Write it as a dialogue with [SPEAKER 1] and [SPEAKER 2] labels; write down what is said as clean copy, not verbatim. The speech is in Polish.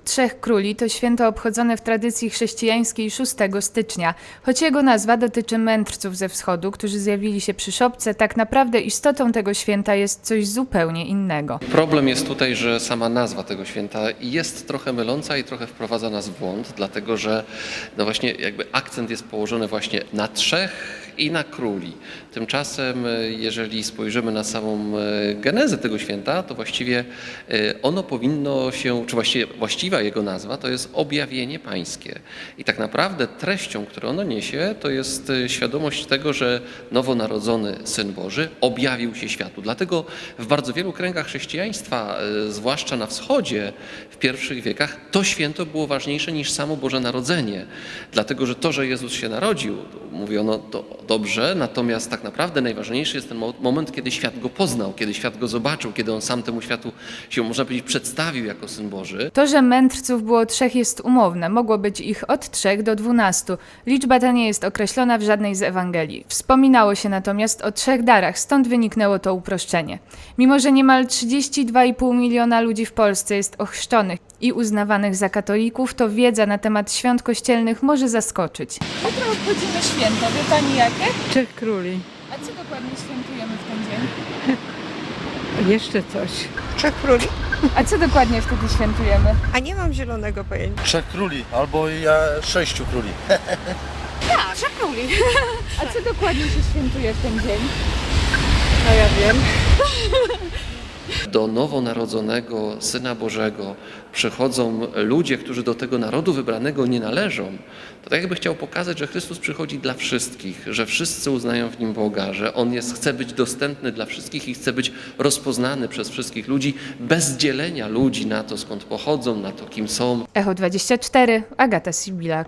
[SPEAKER 1] Trzech Króli to święto obchodzone w tradycji chrześcijańskiej 6 stycznia. Choć jego nazwa dotyczy mędrców ze wschodu, którzy zjawili się przy szopce, tak naprawdę istotą tego święta jest coś zupełnie innego.
[SPEAKER 2] Problem jest tutaj, że sama nazwa tego święta jest trochę myląca i trochę wprowadza nas w błąd, dlatego że no właśnie jakby akcent jest położony właśnie na trzech i na króli. Tymczasem, jeżeli spojrzymy na samą genezę tego święta, to właściwie ono powinno się, czy właściwa jego nazwa, to jest objawienie pańskie. I tak naprawdę treścią, którą ono niesie, to jest świadomość tego, że nowonarodzony Syn Boży objawił się światu. Dlatego w bardzo wielu kręgach chrześcijaństwa, zwłaszcza na wschodzie, w pierwszych wiekach, to święto było ważniejsze niż samo Boże Narodzenie. Dlatego, że to, że Jezus się narodził, mówiono to dobrze, natomiast tak naprawdę najważniejszy jest ten moment, kiedy świat go poznał, kiedy świat go zobaczył, kiedy on sam temu światu się, można powiedzieć, przedstawił jako Syn Boży.
[SPEAKER 1] To, że mędrców było trzech, jest umowne. Mogło być ich od 3 do 12. Liczba ta nie jest określona w żadnej z Ewangelii. Wspominało się natomiast o 3 darach, stąd wyniknęło to uproszczenie. Mimo że niemal 32,5 miliona ludzi w Polsce jest ochrzczonych i uznawanych za katolików, to wiedza na temat świąt kościelnych może zaskoczyć. Jutro obchodzimy święto. Wie pani jakie?
[SPEAKER 3] Trzech Króli.
[SPEAKER 1] A co dokładnie świętujemy w ten dzień?
[SPEAKER 3] Jeszcze coś.
[SPEAKER 4] Trzech Króli?
[SPEAKER 1] A co dokładnie wtedy świętujemy?
[SPEAKER 4] A nie mam zielonego pojęcia.
[SPEAKER 5] Trzech króli, albo ja 6 króli.
[SPEAKER 4] Trzech Króli.
[SPEAKER 1] A co dokładnie się świętuje w ten dzień?
[SPEAKER 4] No ja wiem.
[SPEAKER 2] Do nowonarodzonego Syna Bożego przychodzą ludzie, którzy do tego narodu wybranego nie należą, to tak jakby chciał pokazać, że Chrystus przychodzi dla wszystkich, że wszyscy uznają w Nim Boga, że On chce być dostępny dla wszystkich i chce być rozpoznany przez wszystkich ludzi, bez dzielenia ludzi na to, skąd pochodzą, na to, kim są.
[SPEAKER 1] Echo 24, Agata Sibilak.